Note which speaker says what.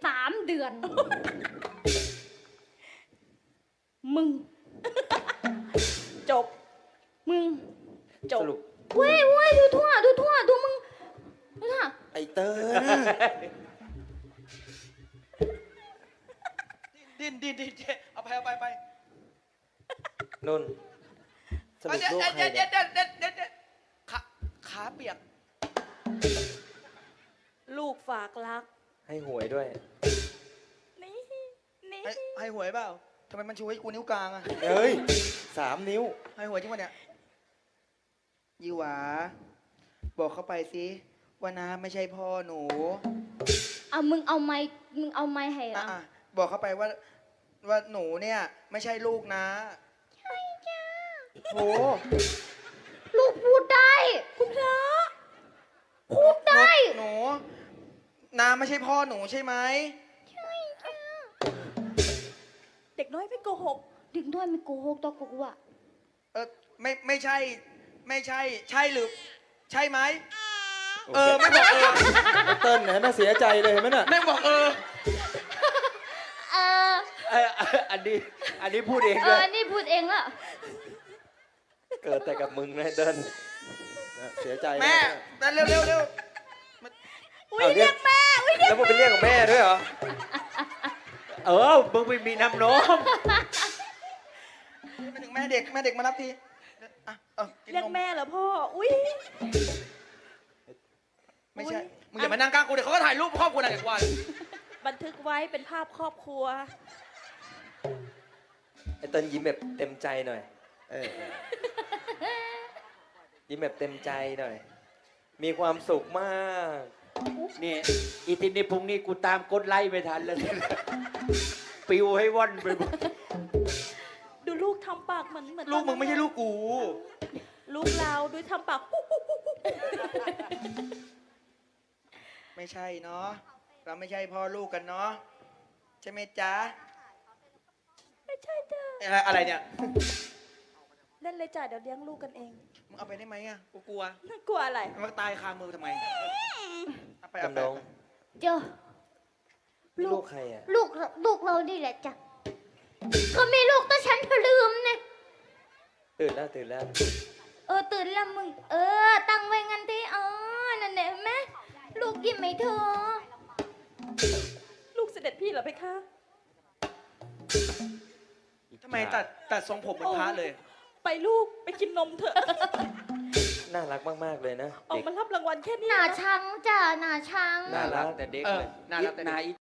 Speaker 1: 3 เดือน มึง
Speaker 2: จบ
Speaker 1: มึง
Speaker 2: จบ
Speaker 3: สรุป
Speaker 1: เว้ยดูทั่วดูมึงดูทั่ว
Speaker 3: ไอ้เติ้ล
Speaker 4: ดิ้นเจ๊เอาไป
Speaker 3: นนท์สรุป
Speaker 4: เดี๋ยว
Speaker 3: ลูกใครเนี่ย
Speaker 4: ขาเปียก
Speaker 2: ลูกฝากรัก
Speaker 3: ให้หวยด้วย
Speaker 2: นี่
Speaker 4: ให้หวยเปล่าทำไมมันชูให้กูนิ้วกลางอะ
Speaker 3: เอ้ย3 นิ้ว
Speaker 4: ให้หวยจริงปะเนี่ยยี่หวาบอกเขาไปสิว่าน้าไม่ใช่พ่อหนู
Speaker 1: เอามึงเอาไม้ให้
Speaker 4: อ่ะบอกเขาไปว่าหนูเนี่ย ไม่ใช่ลูกนะใช่จ้าโห
Speaker 1: ลูกพูดได้ คุณพระพูดได้
Speaker 4: หนูน้าไม่ใช่พ่อหนูใช่ไหม
Speaker 2: เด็กน้อยไม่โกหก
Speaker 1: ดึงด้วยไม่โกหกตัวกูอะ
Speaker 4: ไม่ใช่ ใช่หรือใช่ไหม
Speaker 3: โอเค
Speaker 4: ไม่บอก
Speaker 3: ไอ้เติ้ลเนี่ยน่าเสียใจเลยเห็นไหมน่ะ
Speaker 4: ไม่บอก
Speaker 1: เออ
Speaker 3: อันนี้พูดเองเลย
Speaker 1: นี่พูดเองละ
Speaker 3: เกิดแต่กับมึงนะเติ้ลเสียใจนะ
Speaker 4: แม่เร็ว
Speaker 2: อุ้ยเรียกแม่ อุ้ยเรีย
Speaker 3: แล้
Speaker 2: ก
Speaker 3: วมึงไปเรียกกับแม่ด้วยเหรอ มึงไม่มีน้ำนม
Speaker 4: มาถึงแม่เด็กมารับทีอ่ะกิน
Speaker 2: เรียก
Speaker 4: นม
Speaker 2: แม่เหรอพ่อ อุ้ย
Speaker 4: ไม่ใช่
Speaker 2: อุ๊ย
Speaker 4: มึงอย่ามานั่งกลางกูเดี๋ยวเขาก็ถ่ายรูปครอบครัวหนักกว่า
Speaker 2: บันทึกไว้เป็นภาพครอบครัว
Speaker 3: ไอ้เติ้ลยิ้มแบบเต็มใจหน่อยยิ้มแบบเต็มใจหน่อย มีความสุขมาก
Speaker 5: นี่อีทีนี้พรุ่งนี้กูตามกดไล่ไม่ทันแล้วเนี่ยปิวให้ว่อนไปหมด
Speaker 2: ดูลูกทำปากเหมือน
Speaker 4: ลูกมึงไม่ใช่ลูกกู
Speaker 2: ลูกเราดูทำปาก
Speaker 4: ไม่ใช่เนาะเราไม่ใช่พ่อลูกกันเนาะใช่ไหมจ๊ะ
Speaker 2: ไม่ใช่จ้ะ
Speaker 4: อะไรเนี่ย
Speaker 2: เล่นเลยจ้ะเดี๋ยวเลี้ยงลูกกันเอง
Speaker 4: มึงเอาไปได้ไหมอ่ะกูกลัว
Speaker 2: กลัวอะไร
Speaker 4: มันตายคามือทำไมเอาไป
Speaker 3: จำลอง
Speaker 1: เจ้า
Speaker 3: ลูกใครอ่ะ
Speaker 1: ลูกเรานี่แหละจ้ะก็มีลูกแต่ฉันลืมเนี่ย
Speaker 3: ตื่นแล้ว
Speaker 1: ตื่นแล้วมึง ตั้งไว้งั้นที่นั่นแหละแม่ลูกยิ้มไหมเธอ
Speaker 2: ลูกเสด็จพี่เหรอเพคะ
Speaker 4: ทำไมตัดทรงผมเหมือนพระเลย
Speaker 2: ไปลูกไปกินนมเถอะ
Speaker 3: น่ารักมากๆเลยนะ
Speaker 2: ออก
Speaker 3: เด็ก
Speaker 2: มารับรางวัลแค่นี้
Speaker 1: หน้า
Speaker 2: นะ
Speaker 1: ชังจ้ะหน้าชัง
Speaker 3: น่ารัก
Speaker 5: แต่เด็ก
Speaker 4: เออ
Speaker 5: เลย
Speaker 4: น่ารักแต่เด็ก
Speaker 5: นาย